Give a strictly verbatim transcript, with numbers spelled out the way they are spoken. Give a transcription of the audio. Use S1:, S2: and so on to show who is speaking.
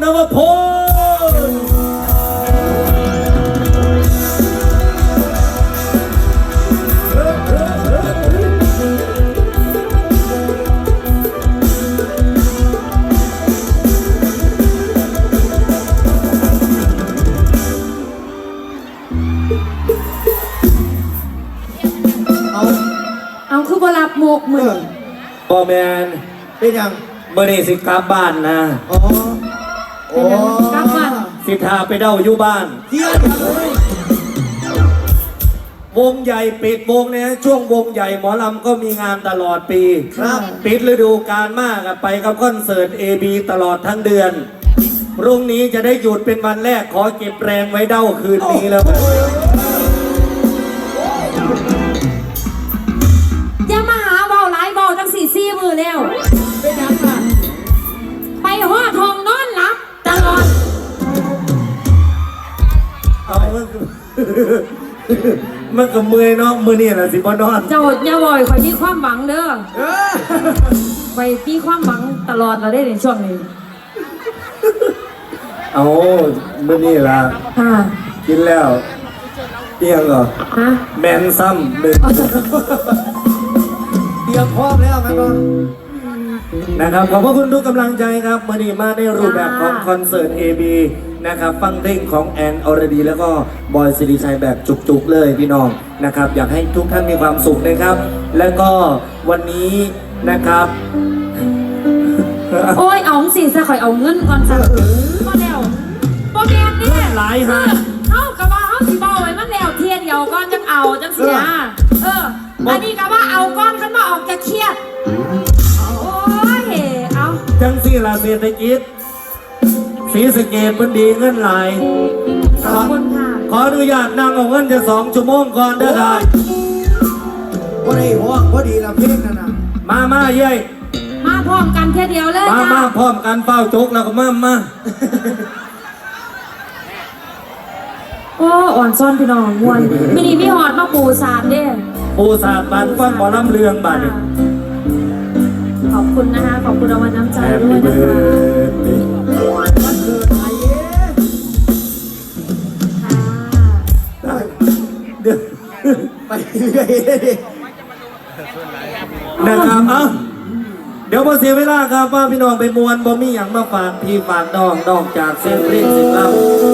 S1: นวพล
S2: เอาคือบ่รับโมกมือ
S1: พ่อแมน
S3: เป็นยัง
S1: เมื่อนี้สิกลับบ้านนะ
S3: อ๋อโอ้
S2: กลับบ้าน
S1: สิทาไปเด้าอยู่บ้าน
S3: เที่ยวยังเลยว
S1: งใหญ่ปิดวงเนี่ยช่วงวงใหญ่หมอลำก็มีงานตลอดปี
S3: ครับ
S1: ปิดฤดูกาลมากอะไปกับคอนเสิร์ต เอ บี ตลอดทั้งเดือนพรุ่งนี้จะได้หยุดเป็นวันแรกขอเก็บแรงไว้เด้าคืนนี้แล้วกัน
S2: อย่ามาหาเบาหลายเบาจังสี่ซี่มือแล้ว
S3: เป็นยังอ่ะ
S2: ไปหัวทองนอนหลับตลอด
S1: เอามันก็ มันก็เมื่อยเนาะมือนี่แหละสิบอนอน
S2: เจ้าอย่าบ่อยคอยมีความหวังเด้อ
S3: เออ
S2: คอยมีความหวังตลอดเราได้ในช่วงนี้
S1: เอามือนี่ละ
S2: ค่ะ
S1: กินแล้วเตียงเหรอ
S2: ฮะ
S1: แมนซ้ำหนึ่ง
S3: เตรียมพร้อมแล้วมันก็
S1: นะครับขอบพระคุณทุกกำลังใจครับมือนี้มาในรูปแบบของคอนเสิร์ต เอ บี นะครับฟังเพลงของแอนอรดีแล้วก็บอยสิริชัยแบบจุกๆเลยพี่น้องนะครับอยากให้ทุกท่านมีความสุขนะครับ แล้วก็วันนี้นะครับ
S2: โอ้ยเอาสิซะคอยเอาเงินก่อนซะก็แล้วบ่แม่นเด้
S1: หลายฮะ
S2: เฮากะว่าเฮาสิเว้าไว้มันแล้วเทียเดียวก่อนจังเอาจังสินะเอออันนี้ก็ว่าเอาก่อนคันบ่ออกจะเครียดโอ้ยเอา
S1: จังสี่ลาเศรษฐกิจสีสะเกตมันดีเงินหลาย
S2: ขอบคุณค่ะ
S1: ขออนุญาตนั่งเอาเงินจะสองชั่วโมงก่อนเด้อครับ
S3: พอดีห้องพอดีละเพลงนั่นน่ะ
S1: มามาเย้ย
S2: มาพร้อมกันเทียเดียวเลย
S1: มา
S2: จ้า
S1: มาพร้อมกันเฝ้าจกแล้วก็มามา
S2: โอ้อ่อนซ่อนพี่น้องมวนมินี่มีหอดมาปูสาดเด้
S1: ปูสาดบานฟังหมอลำเรืองบานนี่
S2: ขอบคุณนะคะ ขอบคุณรางวัลน้ำใจ
S1: แฮป
S2: ด้วย
S1: ปี้
S2: นะ
S1: เบิ
S2: คะ
S1: ร์ดเดย์
S3: มันเกิดอะไรเอ๊ะ
S2: ค่ะ
S1: เดี๋ยว
S3: ไปเรื่อย
S1: นะครับเอ้าเดี๋ยวพอเสียเวลาครับว่าพี่น้องไปมวนบ่มีอย่างมาฝากพี่ฝากน้องนอกจากเสียงเพลงเสียงรำ